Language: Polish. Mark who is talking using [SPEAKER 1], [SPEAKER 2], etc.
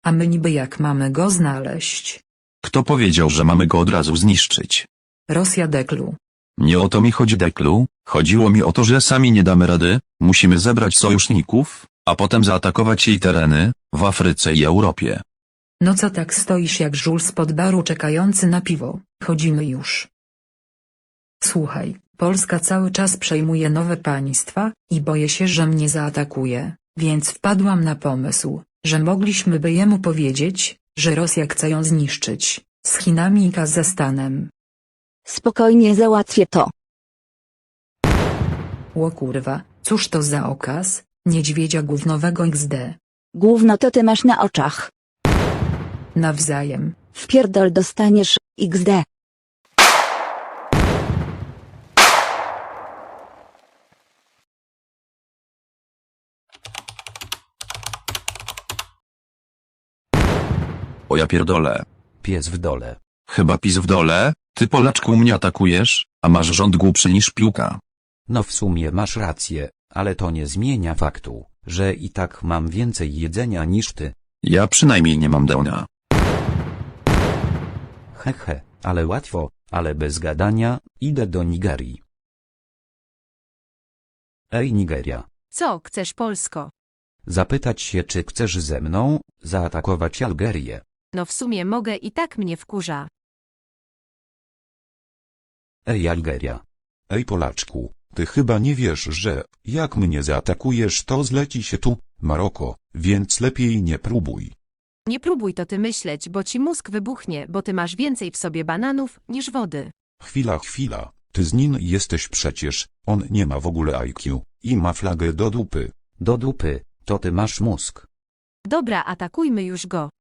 [SPEAKER 1] A my niby jak mamy go znaleźć?
[SPEAKER 2] Kto powiedział, że mamy go od razu zniszczyć?
[SPEAKER 1] Rosja Deklu.
[SPEAKER 2] Nie o to mi chodzi, Deklu, chodziło mi o to, że sami nie damy rady, musimy zebrać sojuszników, a potem zaatakować jej tereny, w Afryce i Europie.
[SPEAKER 1] No co tak stoisz jak żul spod baru czekający na piwo, chodzimy już. Słuchaj, Polska cały czas przejmuje nowe państwa i boję się, że mnie zaatakuje, więc wpadłam na pomysł, że mogliśmy by jemu powiedzieć, że Rosja chce ją zniszczyć, z Chinami i Kazachstanem.
[SPEAKER 3] Spokojnie załatwię to.
[SPEAKER 1] Ło kurwa, cóż to za okaz, niedźwiedzia gównowego XD.
[SPEAKER 3] Gówno to ty masz na oczach.
[SPEAKER 1] Nawzajem.
[SPEAKER 3] Wpierdol dostaniesz, XD.
[SPEAKER 2] O ja pierdolę.
[SPEAKER 4] Pies w dole.
[SPEAKER 2] Chyba pis w dole, ty Polaczku mnie atakujesz, a masz rząd głupszy niż piłka.
[SPEAKER 4] No w sumie masz rację, ale to nie zmienia faktu, że i tak mam więcej jedzenia niż ty.
[SPEAKER 2] Ja przynajmniej nie mam dełnia.
[SPEAKER 4] Hehe, ale łatwo, ale bez gadania, idę do Nigerii. Ej Nigeria,
[SPEAKER 5] Co chcesz, Polsko?
[SPEAKER 4] zapytać się, czy chcesz ze mną zaatakować Algerię.
[SPEAKER 5] No w sumie mogę, i tak mnie wkurza.
[SPEAKER 4] Ej Algeria.
[SPEAKER 6] Ej Polaczku, ty chyba nie wiesz, że jak mnie zaatakujesz, to zleci się tu Maroko, więc lepiej nie próbuj.
[SPEAKER 5] Nie próbuj to ty myśleć, bo ci mózg wybuchnie, bo ty masz więcej w sobie bananów niż wody.
[SPEAKER 6] Chwila, ty z nim jesteś przecież, on nie ma w ogóle IQ i ma flagę do dupy.
[SPEAKER 4] Do dupy, to ty masz mózg.
[SPEAKER 5] Dobra, atakujmy już go.